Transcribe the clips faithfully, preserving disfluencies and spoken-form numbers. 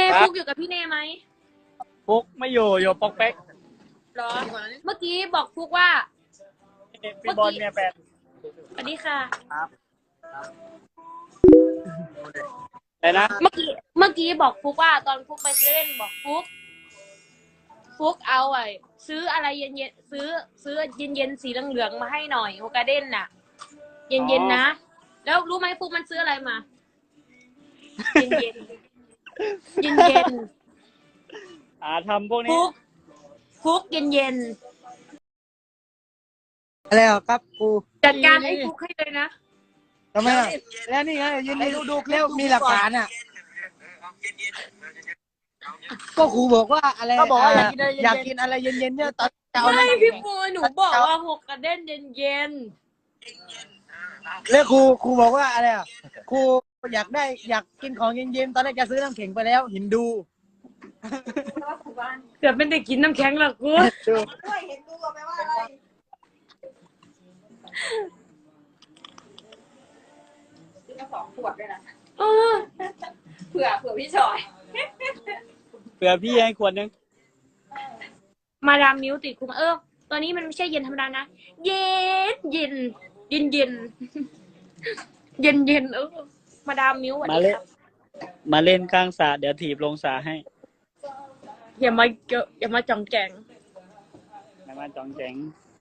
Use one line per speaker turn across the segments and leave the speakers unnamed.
ฟุกอยู่กับพี่เน่ไหม
ฟุกไม่อยู่อยู่ปอกเป๊ก
หรอเมื่อกี้บอกฟุกว่า
พี่บอลเมียแฟน
สวัสดีค่ะ
ครับอะไรนะ
เมื่อกี้เมื่อกี้บอกฟุกว่าตอนฟุกไปซื้อเล่นบอกฟุกฟุกเอาไอ้ซื้ออะไรเย็นๆซื้อซื้อเย็นๆสีเหลืองๆมาให้หน่อยโฮกาเด้นน่ะเย็นๆนะแล้วรู้ไหมฟุกมันซื้ออะไรมาเย็นๆเย็น
ๆอ่าทำพวกนี้
ฟุกฟุกเย็น
ๆอะไรครับกู
จัดการไอ้ฟุกให้เลยนะ
ทำไมอ่ะแล้วนี่ไงยืนดูดูคลิปมีหลักฐานอ่ะก็ครูบอกว่าอะไรก็บอกว่าอยากกินอะไรเย็นๆเนี่ยตอน
เช้าไม่พี่ปูหนูบอกว่าหกกระเด้นเย็น
ๆแล้วครูครูบอกว่าอะไรอ่ะครูอยากได้อยากกินของเย็นๆตอนแรกจะซื้อน้ำแข็งไปแล้วหินดู
เกือบไม่ได้กินน้ำแข็งหรอกกู
ด้วยเห็นดูแปลว่าอะไรซื้อมาสองขวดด้วยนะเผื่อเผื่อพี่ชอย
เผื่อพี่ให้ขวดนึง
มาดามมิ้วติดคุมเออตอนนี้มันไม่ใช่เย็นธรรมดานะเย็นเย็นเย็นเย็นเย็นเย็นเออมาดามมิ้วสวัสดีครับ
มาเล่นข้างสระเดี๋ยวถีบลงสระให้
อย่ามาเกอะอย่ามาจองแจง
อย่ามาจองแจง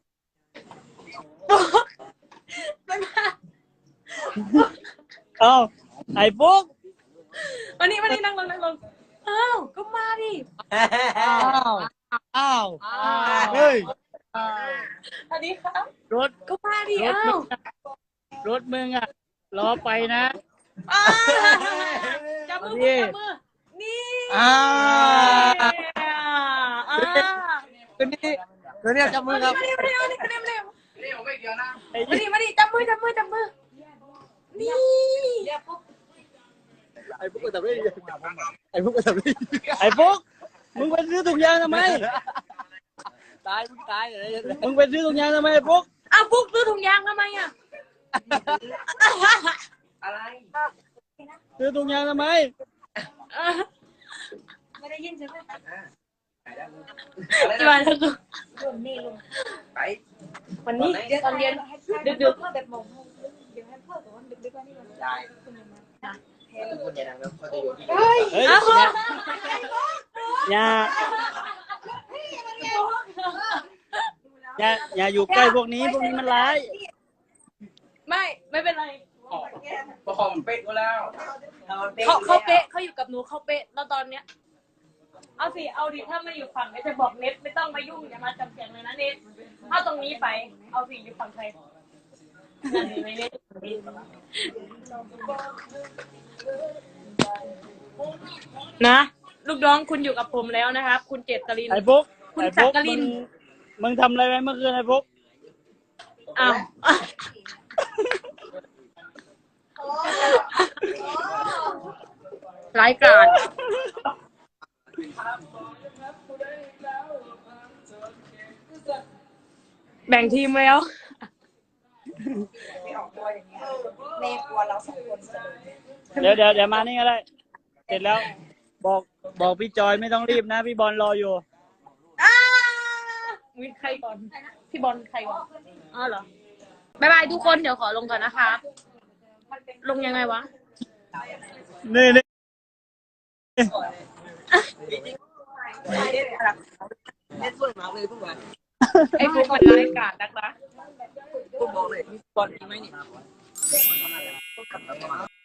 เอ้าไอ้ปุ๊ก
วันนี้วันนี้นั่งลงนั่งลงอ้าวก็มาดิ
อ้าวอ้าวเฮ้ย
สวัสดีครับ
รถ
ก็มาดิอ้าว
รถมึงอ่ะรอไปนะ
จับมือจับมือนี่
อ่า
อ่า
ตัวนี้ตัวนี้จับมือครับ
มาดิมาดิมาดิมาดิมาดิมาดิมาดิจับมือจับมือจับมือนี่
ไอ้พวกก็ทำได้ไอ้พวกก็ทำได้
ไอ้ปุ๊กมึงไปซื้อถุงยางทำไม
ตายมึงตายเลย
มึงไปซื้อถุงยางทำไมไอ้ปุ๊ก
อ้าวปุ๊กซื้อถุงยางทำไมอ่ะ
อะไร
ซื้อถุงยางทำไม
ไม่ได้ยินใช่ไหม
จีวันแล้วกู
ลุงนี่ลุงไป
วันนี้ตอนเย็นดึกดึก
แบบมองเดี๋ยวให้พ่อแต่ว่าดึกดึกว่านี่มันได้คุณยังมาคุณยังนั่งแล้วเขาจะอยู่ที่เฮ้ย
อย่าอย่าอย่าอยู่ใกล้พวกนี้พวกนี้มันร้าย
ไม่ไม่เป็นไร
ประคองเป๊ะก็แล้ว
เขาเขาเป๊ะเขาอยู่กับหนูเขาเป๊ะแล้วตอนเนี้ยเอาสิเอาดิถ้าไม่อยู่ฝั่งก็จะบอกเน็ตไม่ต้องมายุ่งอย่ามาจำเสียงเลยนะเน็ตถ้าตรงนี้ไปเอาสิอยู่ฝั่งใครนะลูกน้องคุณอยู่กับผมแล้วนะครับคุณเจตริน
ไอ้ปุ๊ก
คุณจักริน
มึงทำอะไรไว้เมื่อคืนไอ้ปุ๊ก
อ้าวรายการแบ่งทีมแล้ว
ไม่ออกตัวอย่างเงี้ยเมย์กลัวเราสองคน
เดี๋ยวเดี๋ยวเดี๋ยวมานี่ก็ได้เสร็จแล้วบอกบอกพี่จอยไม่ต้องรีบนะพี่บอลรออยู่
มีใครก่อนพี่บอลใครก่อนอ๋อเหรอบายบายทุกคนเดี๋ยวขอลงก่อนนะคะลงยังไงวะ
นี่นี่
ไอ้พวกมันรายการนักนะ
กูบอกเลยมีบอลจริงไหมนี่